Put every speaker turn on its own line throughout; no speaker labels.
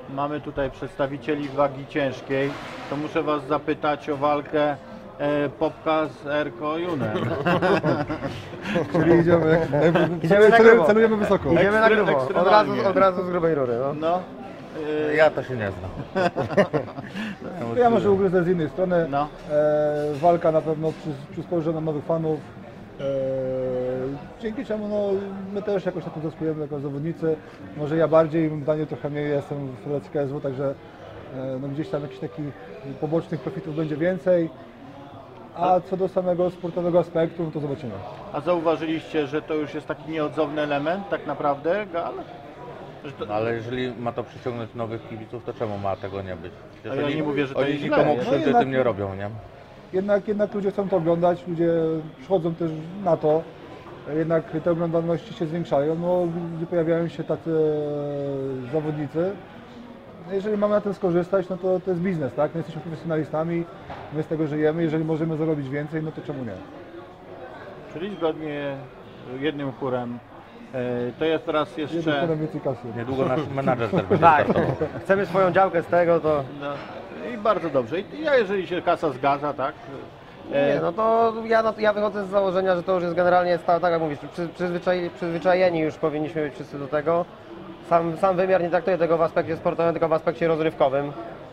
mamy tutaj przedstawicieli wagi ciężkiej, to muszę Was zapytać o walkę Popka z Erko Junem.
Czyli
Idziemy na grubo.
celujemy wysoko.
Idziemy na grubo,
ekstremalnie.
od razu z grubej rury. No.
No,
Ja to się nie znam.
To ja może ugryzę z innej strony.
No.
Walka na pewno przysporzy nam nowych fanów. Dzięki czemu no, my też jakoś na tym zyskujemy jako zawodnicy. Może ja bardziej, Daniel trochę mniej, jestem w Federacji KSW, także no, gdzieś tam jakichś takich pobocznych profitów będzie więcej. A co do samego sportowego aspektu, no to zobaczymy.
a zauważyliście, że to już jest taki nieodzowny element tak naprawdę, gal? Że to,
No, ale jeżeli ma to przyciągnąć nowych kibiców, to czemu ma tego nie być?
A ja nie mówię, że to
oni
jest źle,
nikomu
jest.
krzywdy
No
tym nie robią, nie?
Jednak ludzie chcą to oglądać, ludzie przychodzą też na to. Jednak te oglądalności się zwiększają, no, gdzie pojawiają się tacy zawodnicy. Jeżeli mamy na tym skorzystać, no to jest biznes, tak? My jesteśmy profesjonalistami, my z tego żyjemy, jeżeli możemy zarobić więcej, no to czemu nie?
czyli zgodnie jednym chórem, to jest teraz
Jednym
jeszcze...
potem więcej kasy.
Niedługo nasz menadżer też będzie
Tak,
startował.
chcemy swoją działkę z tego, to
No, i bardzo dobrze. I ja, jeżeli się kasa zgadza, tak?
nie, no to ja wychodzę z założenia, że to już jest generalnie, tak jak mówisz, przyzwyczajeni już powinniśmy być wszyscy do tego. Sam wymiar nie traktuje tego w aspekcie sportowym, tylko w aspekcie rozrywkowym.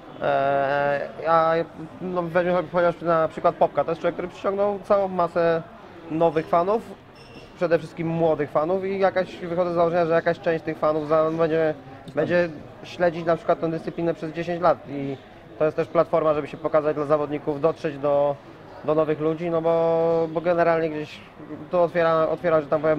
A no, weźmy chociaż na przykład Popka, to jest człowiek, który przyciągnął całą masę nowych fanów, przede wszystkim młodych fanów i wychodzę z założenia, że jakaś część tych fanów będzie śledzić na przykład tę dyscyplinę przez 10 lat i to jest też platforma, żeby się pokazać dla zawodników, dotrzeć do nowych ludzi, no bo generalnie gdzieś to otwiera, że tam powiem,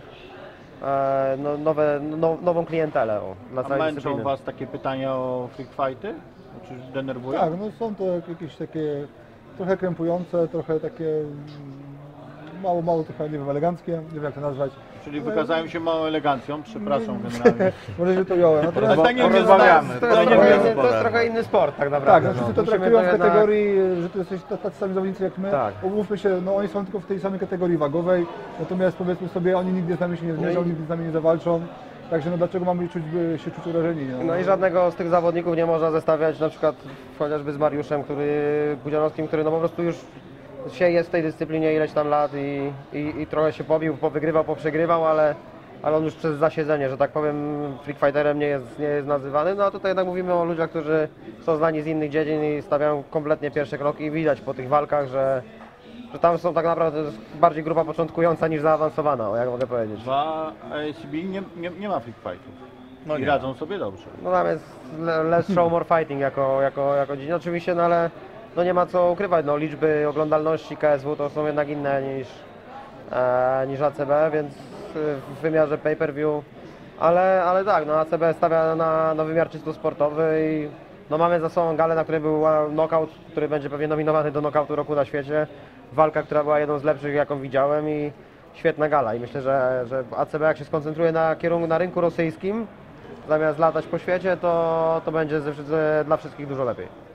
nową klientelę dla
A
całej
męczą
dyscypliny.
Was takie pytania o freak fighty? Czy denerwują?
Tak, no są to jakieś takie trochę krępujące, trochę takie mało trochę nie wiem, eleganckie, nie wiem jak to nazwać.
Czyli wykazają się małą elegancją, przepraszam generalnie.
Może się to ująłem. Natomiast
Daniel nie
Porozmawiamy.
zna-
To jest,
Daniel nie
to jest trochę inny sport tak
tak,
naprawdę.
no, wszyscy to
Musimy
traktują w
jednak-
kategorii, że to jesteś tacy sami zawodnicy jak my.
Tak.
Umówmy się, no oni są tylko w tej samej kategorii wagowej, natomiast powiedzmy sobie, oni nigdy z nami się nie zmierzą, nigdy z nami nie zawalczą. Także no dlaczego mamy się czuć urażeni?
No i żadnego z tych zawodników nie można zestawiać na przykład chociażby z Mariuszem, Pudzianowskim, który no po prostu już jest w tej dyscyplinie ileś tam lat i trochę się pobił, powygrywał, poprzegrywał, ale on już przez zasiedzenie, że tak powiem, freak fighterem nie jest nazywany. No a tutaj jednak mówimy o ludziach, którzy są znani z innych dziedzin i stawiają kompletnie pierwsze kroki i widać po tych walkach, że tam są tak naprawdę bardziej grupa początkująca niż zaawansowana, jak mogę powiedzieć.
Dwa ASB nie ma freak fightów.
No
I
nie.
radzą sobie dobrze.
No tam jest less show, more fighting jako dziedzina. Oczywiście, no ale no nie ma co ukrywać, no liczby oglądalności KSW to są jednak inne niż ACB, więc w wymiarze pay-per-view, ale tak, no ACB stawia na wymiar czysto sportowy i no mamy za sobą galę, na której był knockout, który będzie pewnie nominowany do knockoutu roku na świecie. Walka, która była jedną z lepszych, jaką widziałem i świetna gala i myślę, że ACB jak się skoncentruje na rynku rosyjskim, zamiast latać po świecie, to będzie dla wszystkich dużo lepiej.